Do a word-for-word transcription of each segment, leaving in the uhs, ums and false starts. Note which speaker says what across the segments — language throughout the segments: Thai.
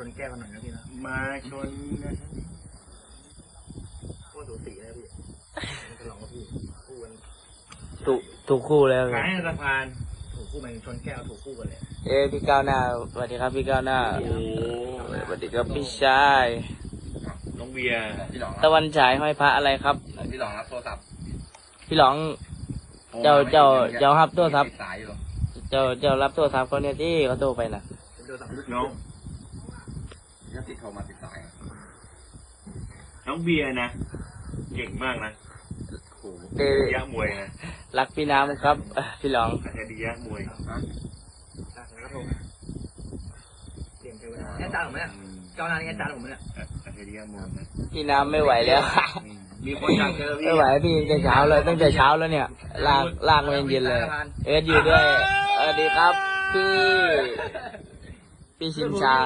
Speaker 1: นแก้วกันหน่อยนะพี่นะมาชนนะโคตรสูสีเลยพี่จะลองกับพี่คู่กัน
Speaker 2: ถูกถูกคู่แล้ว
Speaker 1: ขายสะพานถูกคู่มันชนแก้วถูกคู่กันเลย
Speaker 2: เอ้พี่ก้าวหน้าสวัสดีครับพี่ก้าวหน้าสวัสดีครับพี่ชาย
Speaker 1: น้องเบียร์
Speaker 2: ตะวันฉายห้อยพระอะไรครับ
Speaker 3: พี่หลองรับโทรศัพท์
Speaker 2: พี่หลองเจ้าเจ้าเจ้ารับโทรศัพท์เจ้าเจ้ารับโทรศัพท์เขาเนี่ยที่เขาโทรไปนะ
Speaker 1: น้อง
Speaker 3: ยัติดโทรมาติดสาย
Speaker 1: น้องเบียร์นะเก่งมากนะ
Speaker 2: เด
Speaker 1: ยะมวยนะ
Speaker 2: รักพี่น้ำครับพี่หลอง
Speaker 1: อาจจะดียะมวยแล้วโทรเตรียมเทวดาแค่จานผมเนี่ยเจ้านายแค่จานผมเนี่ยอาจจะดียะมวยนะ
Speaker 2: พี่น้ำไม่ไหวแล้ว
Speaker 1: มีคนอยากเจอพี่
Speaker 2: ไม่ไหวพี่ตั้งแต่เช้าเลยตั้งแต่เช้าแล้วเนี่ยลากลากมาเย็นเลยเอ็ดอยู่ด้วยสวัสดีครับพี่พี่ชินชา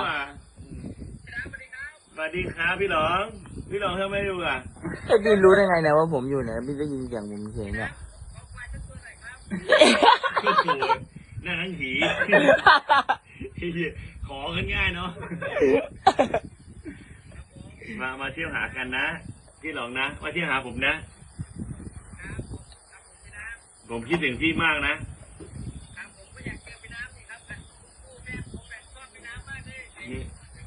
Speaker 1: สวัสดีครับพี่หลองพี่หลองทำไมอยู่อ่ะ
Speaker 2: ไอ้พี่รู้ได้ไงนะว่าผมอยู่เนี่ยพี่ได้ยินเสียงผมเสียงเนี่ย
Speaker 1: นั่นทั้งผีขอกันง่ายเนาะมามาเที่ยวหากันนะพี่หลองนะมาเที่ยวหาผมนะผมคิดถึงพี่มากนะนี่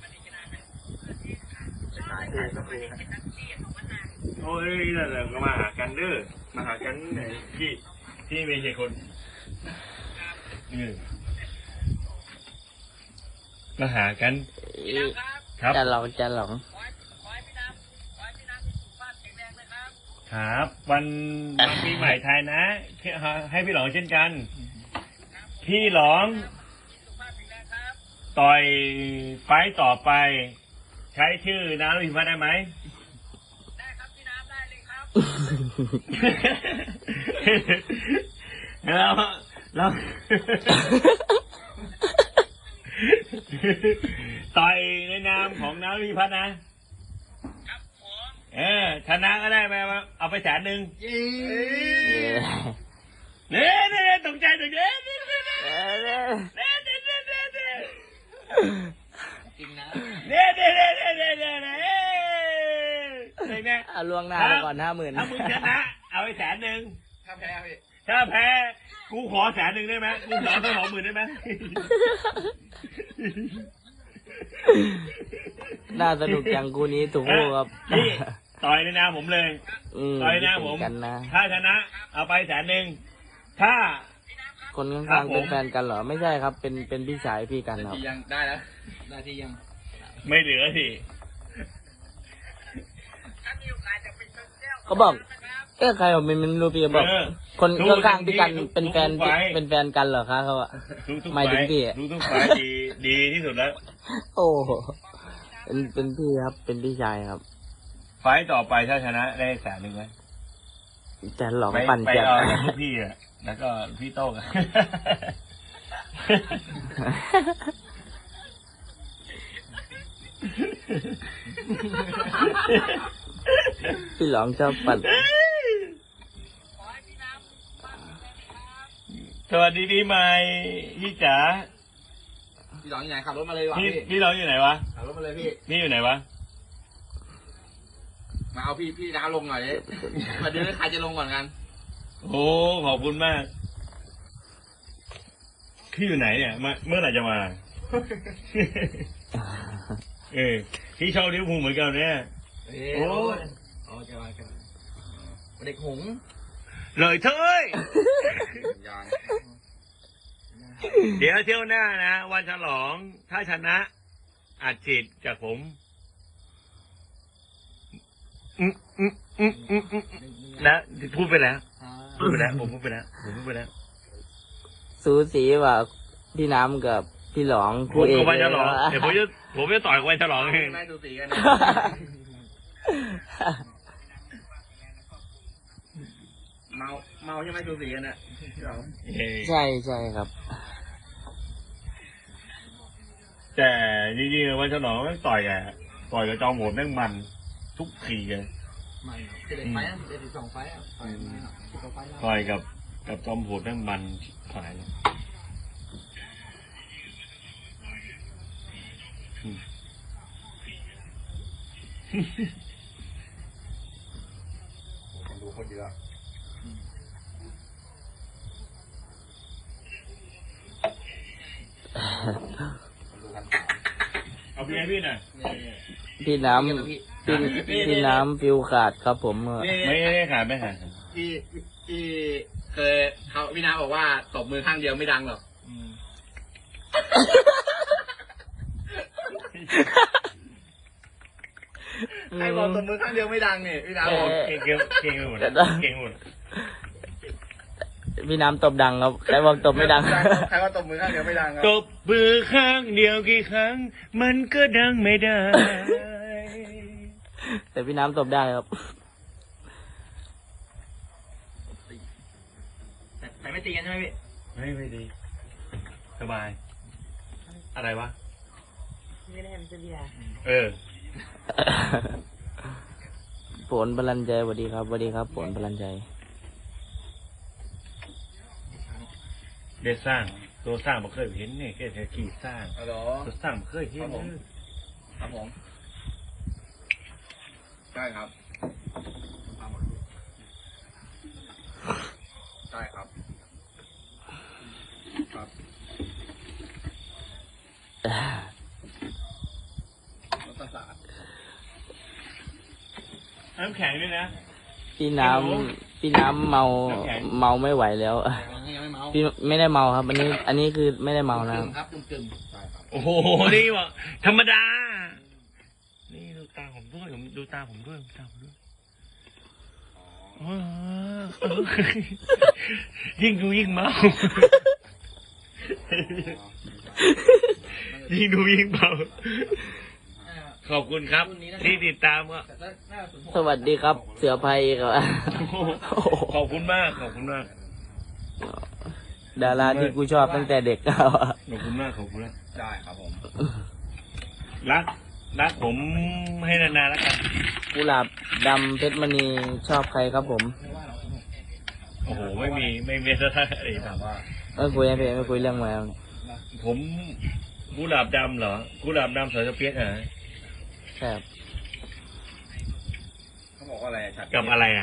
Speaker 1: โอ้ยนั่นแหละก็มาหากันเด้อมาหากันที่ที่มีกี่คนมาหากัน
Speaker 2: ครับจะหลองจะหลอง
Speaker 1: ครับวันวันปีใหม่ไทยนะให้พี่หลองเช่นกันพี่หลองต่อยไฟต่อไปใช้ชื่อน้ำพิมพ์ได้ไหมได้ครับพี่น้ำได้เลยครับแล้วแล้วต่อยในนามของน้ำพิพัฒน์นะครับผมเออชนะก็ได้ไหมเอาไปแสนหนึ่งเนี่ยเนี่ยตกใจตกใจเนี่ยเนี่ยเนี่ยเนี่ยเนี่ย
Speaker 2: จริงนะ
Speaker 1: เนี่ยเนี่ยเนี่ยเนี่ยเนี่ยเนี่ย
Speaker 2: เอาล่วงหน้าก่อนห้าหมื่น
Speaker 1: ถ้ามึงชนะเอาไปแสนหนึ่ง
Speaker 3: ถ้าแพ้พี่
Speaker 1: ถ้าแพ้กูขอแสนหนึ่งได้ไหมกูขอสักสองหมื่นได้ไหม
Speaker 2: น่าสนุกจังกูนี้ถูกคู่ครับ
Speaker 1: นี่ต่อยในนามผมเลยต่อยในนามผมถ้าชนะเอาไปแสนหนึ่งถ้า
Speaker 2: คนข้างๆเป็นแฟนกันเหรอไม่ใช่ครับเป็นเป็นพี่ชายพี่กันครับ
Speaker 3: ยังได้แล้วได้ที่ยัง
Speaker 1: ไม่เหลือสิ
Speaker 2: เขาบอกเอ๊ะใครบอกมันมันรู้พี่บอกคนข้างๆพี่กันเป็นแฟนเป็นแฟนกันเหรอคะเขาอะไม่ถึงพี่
Speaker 1: รู้ทุกฝ่ายดีดีที่สุดแล้ว
Speaker 2: โอ้เป็นเป็นพี่ครับเป็นพี่ชายครับ
Speaker 1: ไฟต่อไปถ้าชนะได้แสนหนึ่งไหม
Speaker 2: จะหลอกปั่น
Speaker 1: จัดไปเอาลูกพี่อะแล้วก็พี่โต้ง
Speaker 2: พี่หลองชอบปั่น
Speaker 1: สวัสดีพี่ใหม่พี่จ๋า
Speaker 3: พี่หลองอยู่ไหนขับรถมาเลยวะ
Speaker 1: พี่พี่หลองอยู่ไหนวะ
Speaker 3: ขับรถมาเลยพี่
Speaker 1: นี่อยู่ไหนวะ
Speaker 3: มาเอาพี่พี่น้าลงหน่อยเลยมาดูใครจะลงก่อนกัน
Speaker 1: โอ้ขอบคุณมากพี่อยู่ไหนเนี่ยมาเมื่อไหร่จะมาเออพี่ชอบลิเวอร์พูลเหมือนกันเนี่ย
Speaker 3: โอ้โอ้จะมากันเด็กหง
Speaker 1: เลยเท้ยเดี๋ยวเที่ยวหน้านะวันฉลองถ้าชนะอัดฉีดจากผมอืมอืมอืมอืมอืมนะพูดไปแล้วพูดไปแล้วผมพูดไปแล้วผมพูดไปแล้ว
Speaker 2: สูสีว่าพี่น้ำกับพี่หลอง
Speaker 1: คู่เอกวันฉลองเดี๋ยวผมจะผมจะต่อยวันฉลองเอง
Speaker 3: ไม่สูสีกันเมาเมาใช่ไหมสูสีกันเนี่ย
Speaker 2: ใช่ใช่ครับ
Speaker 1: แต่จริงๆวันฉลองต้องต่อยอ่ะต่อยกับจอมโหดแม่งมันทุกทีเลย
Speaker 3: มันเด็ดไฟอ่ะเด็ดสองไฟอ่ะ
Speaker 1: ต่อยกับกับจอมโหดแม่งมันฝ่ายเลย
Speaker 3: คนดูคนเยอะคนดูกันสาม
Speaker 4: เอาพี่ให้พี่หน่อย
Speaker 2: พี่น้ำพี่พี่น้ำฟิวขาดครับผม
Speaker 4: ไม่ไม่ขาดไม่ขาด
Speaker 1: ที่ที่เคยเขาพี่นาบอกว่าตบมือข้างเดียวไม่ดังหรอกใครบอกตบมือข้างเดียวไม่ดังเนี่ยพี่นาบอก
Speaker 4: เก่งเก่งเก่งหมดเก่งหมด
Speaker 2: พี่น้ำตบดังครับใครบอกตบไม่ดัง
Speaker 1: ใครว่าตบมือข้างเดียวไม่ดังครับ
Speaker 4: ตบมือข้างเดียวกี่ครั้ง มันก็ดังไม่ได้
Speaker 2: แต่พี่น้ำตบได้ครับ
Speaker 1: แต่แต่ไม่ตีกันใช่ไหมพี่
Speaker 4: ไม่ไม่ดี สบาย อะไรวะ
Speaker 5: ไม่ได้ทำเสีย
Speaker 4: เออ
Speaker 2: ผลพลันใจสวัสดีครับสวัสดีครับผลพลันใจ
Speaker 4: เด็ดสร้าง ตัวสร้างบ่เคยเห็นเนี่ยแค่แค่ขี่สร้าง
Speaker 1: ฮัลโหล
Speaker 4: ตัวสร้างบ่เคยเห็น
Speaker 1: ครับผม ครับผมใช่ครับใช่ครับครับรถประสาท
Speaker 4: น้ำแข็งด้วยนะ
Speaker 2: พี่น้ำพี่น้ำเมาเมาไม่ไหวแล้ว
Speaker 1: ยังไม่เมา
Speaker 2: พี่ไม่ได้เมาครับ อันนี้ อันนี้คือไม่ได้เมานะครับ
Speaker 1: ครับกึ่มกึ่มใช่ครับ
Speaker 4: โอ้โห นี่วะธรรมดา นี่ดูตาผมด้วยผมดูตาผมด้วยดูตาผมด้วยอ๋อเออยิ่งดูยิ่งเมา ยิ่งดูยิ่งเมา ขอบคุณครับ ที่ติดตามก็
Speaker 2: สวัสดีครับ เสือภัยครับ
Speaker 4: ขอบคุณมาก ขอบคุณมาก
Speaker 2: ดาราที่กูชอบตั้งแต่เด็ก
Speaker 4: ขอบคุณมาก ขอบคุณมาก
Speaker 1: ได้ครับผม
Speaker 4: รัก รักผมให้นานๆแล้วกัน
Speaker 2: กุหลาบดำเพชรมณีชอบใครครับผม
Speaker 4: โอ้โห ไม่มี ไม่มีอะไรถามว่า
Speaker 2: ไม่คุยไม่ไม่คุยเรื่องแมว
Speaker 4: ผมกุหลาบดำเหรอกุหลาบดำสายสเปียกเหรอ
Speaker 2: ใช่ครับ
Speaker 1: เขาบอกว่าอะไรชัด
Speaker 4: กับอะไรอ่ะ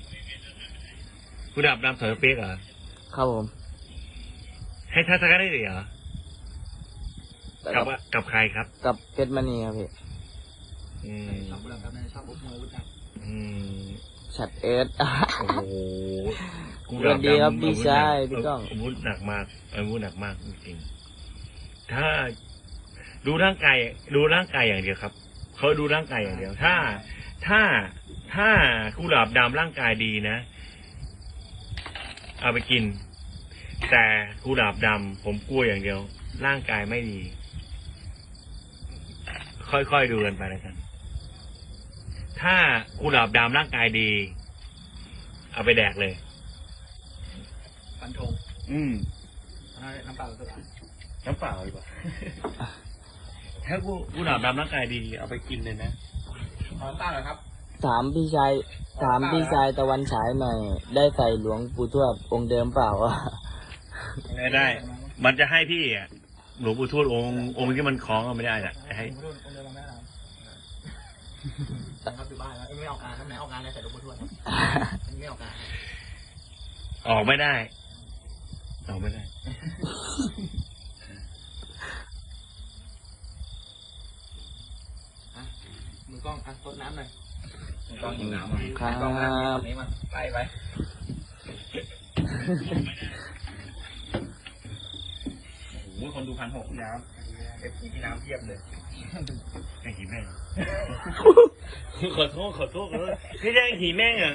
Speaker 4: กุหลาบดำสายสเปียกเหรอ
Speaker 2: ครับผม
Speaker 4: ให้ทัศน์ได้เหรอ
Speaker 2: แต่
Speaker 4: กับ
Speaker 2: กับ
Speaker 4: กับใครครับ
Speaker 2: กับเพชรมณีครับพี่
Speaker 4: อืม
Speaker 1: ชอบบุหรี่ครับชอบบุหรี่วุฒิครับ
Speaker 4: อืม
Speaker 2: ฉัดเอิร์ธ
Speaker 4: โอ้โห
Speaker 2: สวัสดีครับพี่ชายพี่ก้อง
Speaker 4: อาวุธหนักมากอาวุธหนักมากจริงๆถ้าดูร่างกายดูร่างกายอย่างเดียวครับเขาดูร่างกายอย่างเดียว ถ้า ถ้าถ้ากุหลาบดำร่างกายดีนะ เอาไปกิน แต่กุหลาบดำผมกลัวอย่างเดียว ร่างกายไม่ดี ค่อยๆดูกันไปแล้วกัน ถ้ากุหลาบดำร่างกายดี เอาไปแดกเลย
Speaker 1: ฟันธง
Speaker 4: อืม
Speaker 1: น้ำเปล่าตัว
Speaker 4: น้ำเปล่าดีกว่า ถ้ากูกุหลาบดำร่างกายดี เอาไปกินเลยนะ
Speaker 1: ขอน้ำเปล่าเหรอครับ
Speaker 2: ถามพี่ชายถามพี่ชายตะวันฉายหน่อย ได้ใส่หลวงปู่ทวดองค์เดิมเปล่า
Speaker 4: ไม่ได้ มันจะให้พี่อ่ะ หลวงปู่ทวดองค์องค์ที่มันคล้องเอาไม่ได้อ่ะให้
Speaker 1: ผมรุ่นองค์เดิมมาแม่เราครับอยู่บ้านแล้วไม่ออกงานแล้วไหนออกงานแล้วแต่ลูกบุญทวดครับไม่ออกงาน
Speaker 4: ออกไม่ได้ ออกไม่ได้
Speaker 1: มือกล้องอ่ะซดน้ำหน่อยมือกล้องหิวน้ำอ่ะ
Speaker 2: ครับ
Speaker 1: กล้องน้ำอันนี้มันไปไปโอ้โหคนดูพันหกน้ำเอฟซีที่น้ำเทียบเลย
Speaker 4: ไอ้หีแม่ง ขอโทษขอโทษขอโทษไม่ใช่ไอ้หีแม่งอ่ะ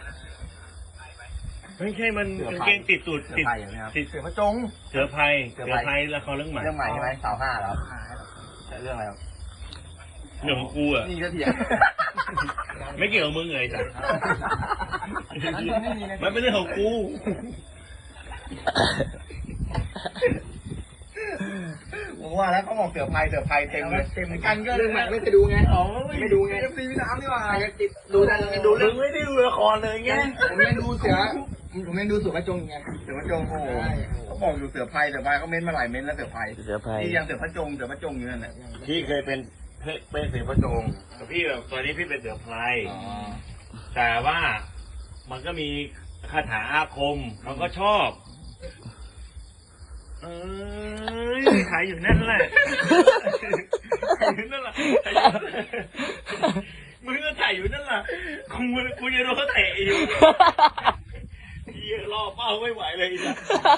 Speaker 4: ไม่ใช่มันกางเกงติดตูดติดติด
Speaker 1: เสือพระจง
Speaker 4: เสือภัยเสือภัยละครเรื่องใหม่
Speaker 1: เรื่องใหม่ใช่ไหมสาวห้าแล้วเรื่องอะไรครับ
Speaker 4: เรื่องของกูอ่ะ
Speaker 1: นี่ก็เถียง
Speaker 4: ไม่เกี่ยวกับมึงเลยจ้ะมันเป็นเรื่องของกู
Speaker 1: ผมว่าแล้วเขาบอกเสือภัยเสือภัยเต็มเลยเต็มกันก็เรื่องใหม่ไม่เคยดูไงอ๋อไม่ดูไงเอฟซีพี่น้ำนี่หว่าติดดูแต่ดูเรื่องไม่ได้ดูละครเลยไงผมยังดูเสือผมยังดูเสือพระจงไงเสือพระจงโอ้โหเขาบอกอยู่เสือภัยเสือภัยเขาเม้นมาหลายเม้นแล้วเสือภัย
Speaker 2: เสือภัย
Speaker 1: ที่ยังเสือพระจงเสือพระจงอยู่นั่นแหละ
Speaker 4: ที่เคยเป็น
Speaker 1: เป็นเสือพระจง
Speaker 4: แต่พี่แบบตอนนี้พี่เป็นเสือไพร
Speaker 1: อ๋อ
Speaker 4: แต่ว่ามันก็มีคาถาอาคมเขาก็ชอบเอ้ยขายอยู่นั่นแหละขายอยู่นั่นแหละขายอยู่นั่นแหละมึงก็ถ่ายอยู่นั่นแหละกูกูจะโดนเขาเตะอยู่เหี้ยรอเป้าไม่ไหวเลยจ้ะ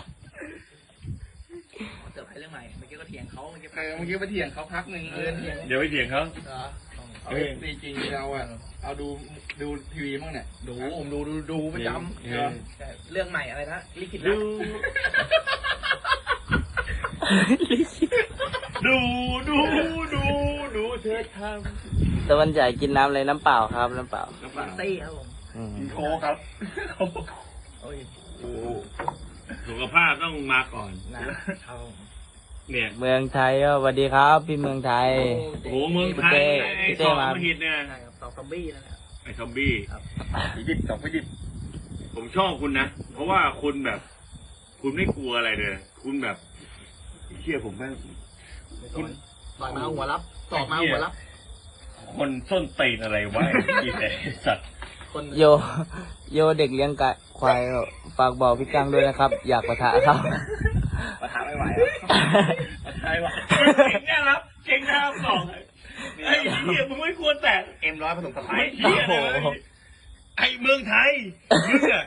Speaker 2: เสือไพเรื่องใหม่เมื่อกี้ก็เถียงเขาเมื่อกี้
Speaker 1: เออเมื่อกี้ไปเถียงเขาพักหนึ่งเออเถียง
Speaker 4: เดี๋ยวไปเถียงเขา
Speaker 1: เอาจริงๆเราอ่ะเอาดูดูทีวีบ้างเนี่ยดูผมดูดูดูประจำ
Speaker 4: เออ
Speaker 2: เรื่องใหม่อะไรนะลิขิตรั
Speaker 4: ดู
Speaker 2: ก
Speaker 4: ดูดูดูดูเธอท
Speaker 2: ตะวันใหญ่กินน้ำอะไรน้ำเปล่าครับน้ำเปล่า
Speaker 4: ำน้ำเปล่า
Speaker 2: ตี้ครับผม
Speaker 1: โคครับ
Speaker 2: โอ้ย
Speaker 4: สุขภาพต้องมาก่อน
Speaker 2: นะครับ
Speaker 4: เนี่ย
Speaker 2: เมืองไทยสวัสดีครับ พี่เมืองไทย
Speaker 4: โอ้โหเมืองไทยไอ้
Speaker 2: พี่
Speaker 4: ส
Speaker 2: เต้
Speaker 4: อง
Speaker 2: มา
Speaker 4: มาฮิตเนี่ย
Speaker 2: ใช่ครับต่อซอมบี้นะครับ
Speaker 4: ไอ้ซอมบี้
Speaker 1: หยิบสองก็หยิบ
Speaker 4: ผมชอบคุณนะ เพราะว่าคุณแบบ คุณไม่กลัวอะไรเลย คุณแบบเชื่อผมไหมคุณ
Speaker 2: ต่อยมาหัวรับต่อมาหัวรับ
Speaker 4: คนส้นตีนอะไรวะไอ้แต่สัตว์
Speaker 2: โยโยเด็กเลี้ยงไก่ควายฝากบอกพี่กังด้วยนะครับ อยากปะทะเขา
Speaker 1: ประทาไม่ไหวแล้วประทาไม่ไหว
Speaker 4: เก่งเนี่ยครับเก่งนะครับสองไอ้เหี้ยมึงไม่ควรแต่
Speaker 1: เอ็มร้อยผสมสไป
Speaker 4: ไอ้
Speaker 1: ซ์
Speaker 4: เหี้ยเลยไอ้เมืองไทยมึงอะ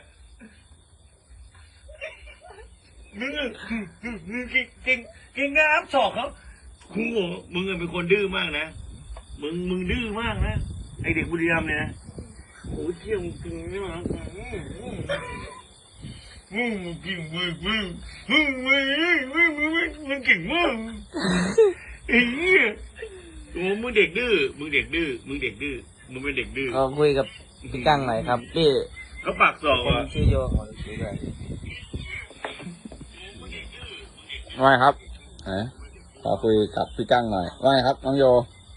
Speaker 4: มึงอะมึงเก่งเก่งเก่งนะครับสองเขาคุณบอกมึงอะเป็นคนดื้อมากนะมึงมึงดื้อมากนะไอเด็กบุรีรัมย์เนี่ยนะโอ้เที่ยงจริงนี่มันมึงมึงจริงมึงมึงมึงมึงมึงมึงมึงมึงเก่งมากไอ้เหี้ยโอ้มึงเด็กดื้อมึงเด็กดื้อมึงเด็กดื้อมึงเป็นเด็กดื้อ
Speaker 2: ก็คุยกับพี่กังหน่อยครับพี่
Speaker 4: เขาปากสอก
Speaker 2: คน
Speaker 4: อ่ะ
Speaker 2: ชื่อโยของคุยด้วย
Speaker 6: ว่าไงครับไหนขอคุยกับพี่กั้งหน่อยว่าไงครับน้องโย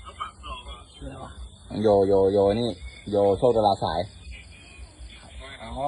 Speaker 6: น้องโยโยโยนี่โยโชคตลาสายอ๋อ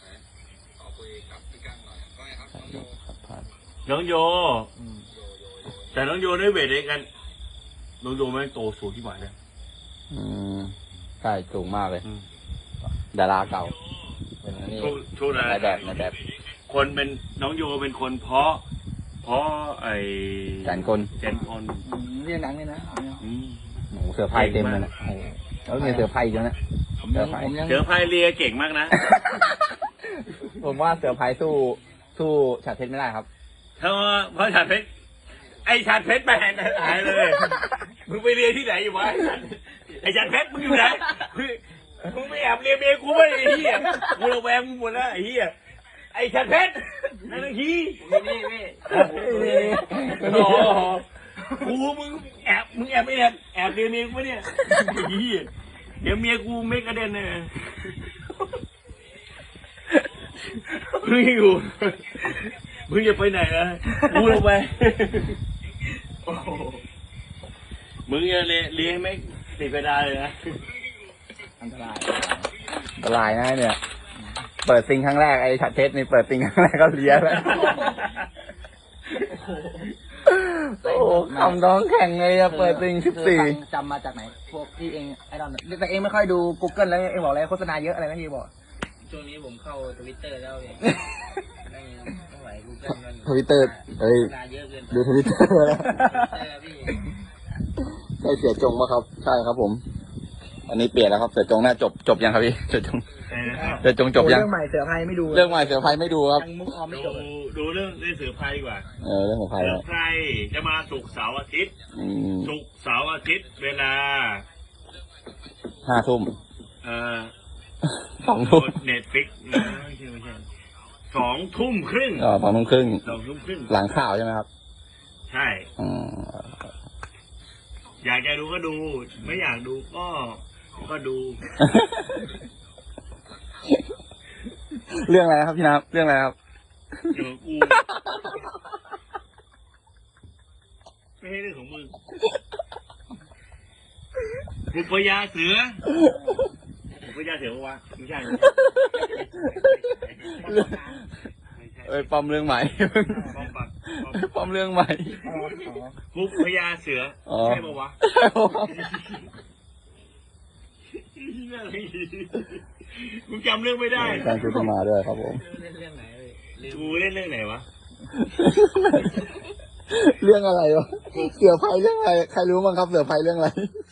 Speaker 4: น้องโยแต่น้องโยได้เวทเองกันน้องโยแม่งโตสูงที่หมายเลย
Speaker 6: อืมใช่สูงมากเลย
Speaker 4: อืม
Speaker 6: ดาราเก่าเป็นอันนี้
Speaker 4: โชว์โชว์นะ
Speaker 6: นายแบบนายแบบ
Speaker 4: คนเป็นน้องโยเป็นคนเพาะเพาะไอ้
Speaker 6: แสนกล
Speaker 4: แสนคน
Speaker 2: เรียนหนังเลยนะ
Speaker 4: อืม
Speaker 6: โอ้โหเสือไพ่เต็มเลยนะโอ้โหแล้วมีเสือไพ่อีกแล้วนะเสือไพ่
Speaker 4: เสือพายเรือเก่งมากนะ
Speaker 6: ผมว่าเสือไพ่สู้สู้ฉาดเพชรไม่ได้ครับ
Speaker 4: เพราะว่าเพราะชาดเพชรไอ้ชาดเพชรแม่งหายเลย มึงไปเรียนที่ไหนอยู่วะไอ้ชาดเพชรมึงอยู่ไหนมึงไปแอบเรียนเมียกูไม่ไอ้เหี้ยกูระแวงมึงหมดแล้วไอ้เหี้ยไอ้ชาดเพชรนั่นไอ้ขี้
Speaker 2: นี่นี่
Speaker 4: โอ้โหกูมึงแอบมึงแอบไม่แอบแอบเรียนเมียกูปะเนี่ยไอ้เหี้ยเดี๋ยวเมียกูไม่กระเด็นเลยมึงอยู่มึงจะไปไหนนะกูลงไปมึงจะเลี้ยเลี้ยงไม่ติดกระดาษเลยนะ
Speaker 6: อันตรายอันตรายนะเนี่ย เปิดซิงครั้งแรกไอ้ฉาดเพชรนี่เปิดซิงครั้งแรกก็เลี้ยแล้ว โอ้โหคำน้องแข่งเลยอะเปิดซิงสิบสี่
Speaker 2: จำมาจากไหนพวกที่เองไอ้ดอนแต่เองไม่ค่อยดู Google แล้วเองบอกอะไรโฆษณาเยอะอะไรนะที่บอกช่วงนี้ผมเข้าทวิตเตอร์แล้วเองไม่ไม่ไหว Google มัน
Speaker 6: ทวิตเตอร์เอ้ย
Speaker 2: โฆษณาเยอะเกินไป
Speaker 6: ดูทวิตเตอร์แล้ว
Speaker 2: เออพี่
Speaker 6: ใช่เสียจงปะครับ ใช่ครับผม อันนี้เปลี่ยนแล้วครับ เสือจงน่าจบจบยังครับพี่เสือจงเสือจงจบยัง
Speaker 2: เรื่องใหม่เสือไพ่ไม่ดู
Speaker 6: เรื่องใหม่เสือไฟไม่ดูครับ
Speaker 2: ยังมุกออมไม่จ
Speaker 4: ดู
Speaker 2: บเลย
Speaker 4: ดูเรื่องเล่นเสือพายดีกว่า
Speaker 6: เออเรื่องของใคร
Speaker 4: เสือ
Speaker 6: ครับ
Speaker 4: พายจะมาศุกร์เสาร์อาทิตย์
Speaker 6: อืม
Speaker 4: ศุกร์เสาร์อาทิตย์เวลา
Speaker 6: ห้าทุ่ม
Speaker 4: เอ่อ
Speaker 6: สองทุ่ม
Speaker 4: เน็ตฟิกไม่ใช่ไม่ใช่สองทุ่มครึ่ง
Speaker 6: อ๋อสองทุ่มครึ่ง
Speaker 4: สองทุ่มครึ่ง
Speaker 6: หลังข่าวใช่ไหมครับ
Speaker 4: ใช่
Speaker 6: อืม
Speaker 4: อยากจะดูก็ดู ไม่อยากดูก็ก็ดู
Speaker 6: เรื่องอะไรนะครับพี่น้ำเรื่องอะไรครับ
Speaker 4: เดี๋ยวกูไม่ใช่เรื่องของมึงบุปยาเสือบุปยาเสือปะวะไม่ใช่ไม่ใช่
Speaker 6: เอ้ยปอมเรื่องใหม่
Speaker 4: ป้อมปัก
Speaker 6: ปลอมเรื่องใหม่
Speaker 4: ฟุกพญาเสือ
Speaker 6: อ๋อ
Speaker 4: ใช่ปะวะมึงจำเรื่องไม่ได้
Speaker 6: การชุดมาด้วยครับผม
Speaker 2: เล่นเรื่องไหนเลย
Speaker 4: กูเล่นเรื่องไหนวะ
Speaker 6: เรื่องอะไรวะเสือไฟเรื่องอะไรใครรู้บ้างครับเสือไฟเรื่องอะไร